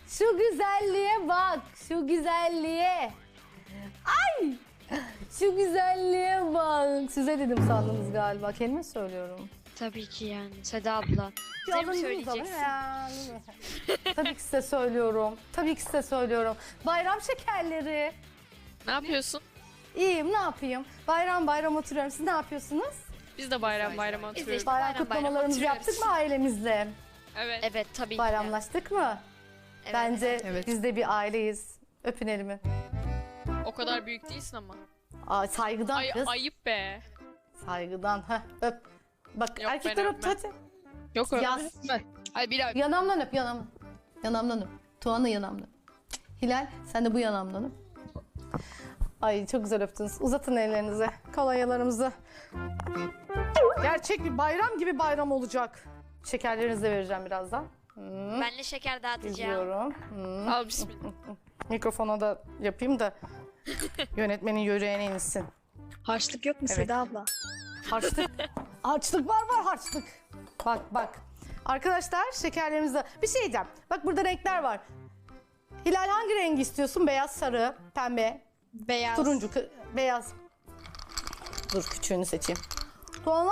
Şu güzelliğe bak. Şu güzelliğe. Ay! Şu güzelliğe bak. Size dedim sandınız galiba. Kelime söylüyorum. Tabii ki yani. Seda abla. Bize mi Yalnız söyleyeceksin? ya. Tabii ki size söylüyorum. Tabii ki size söylüyorum. Bayram şekerleri. Ne yapıyorsun? İyiyim, ne yapayım? Bayram bayram oturuyorum. Siz ne yapıyorsunuz? Biz de bayram Biz de oturuyoruz. işte Bayram bayram kutlamalarımızı oturuyoruz. yaptık mı ailemizle? Evet. Evet tabii ki. Bayramlaştık mı? Evet. Bence Evet. biz de bir aileyiz. Öpün elimi. O kadar büyük değilsin ama. Aa, saygıdan kız. Ayıp be. Saygıdan. Heh, öp. Bak Yok, erkekler ben öp öpmem. hadi. Yok öyle. Yaz. Hadi bir daha. Yanamdan öp yanamdan. Yanamdan öp. Tuğan'ı yanamdan. Hilal sen de bu yanamdan öp. Ay çok güzel öptünüz. Uzatın ellerinizi. Kolonyalarımızı. Gerçek bir bayram gibi bayram olacak. Şekerlerinizi de vereceğim birazdan. Ben de şeker dağıtacağım. İzliyorum. Al bismillah. Mikrofona da yapayım da yönetmenin yüreğine insin. Harçlık yok mu Evet. Seda abla? Harçlık. Harçlık var harçlık. Bak. Arkadaşlar şekerlerimizde bir şey diyeceğim. Bak burada renkler var. Hilal hangi rengi istiyorsun? Beyaz, sarı, pembe, Beyaz. turuncu, beyaz. Dur küçüğünü seçeyim. Tuana?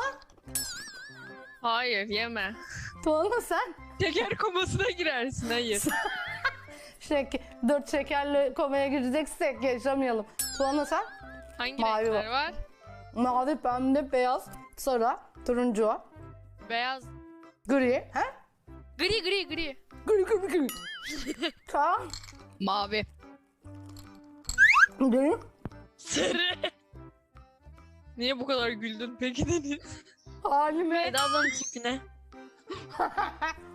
Hayır yeme. Tuana sen? Şeker komasına girersin hayır. 4 şekerli komaya gireceksek yaşamayalım. Tuana sen? Hangi Mavi renkler var? Mavi, pembe, beyaz, sarı, turuncu, Beyaz. gri. He? Gri. Gri. Tamam. Mavi. Gri. Sarı. Niye bu kadar güldün peki Deniz? Halime. Seda ablanın tipine.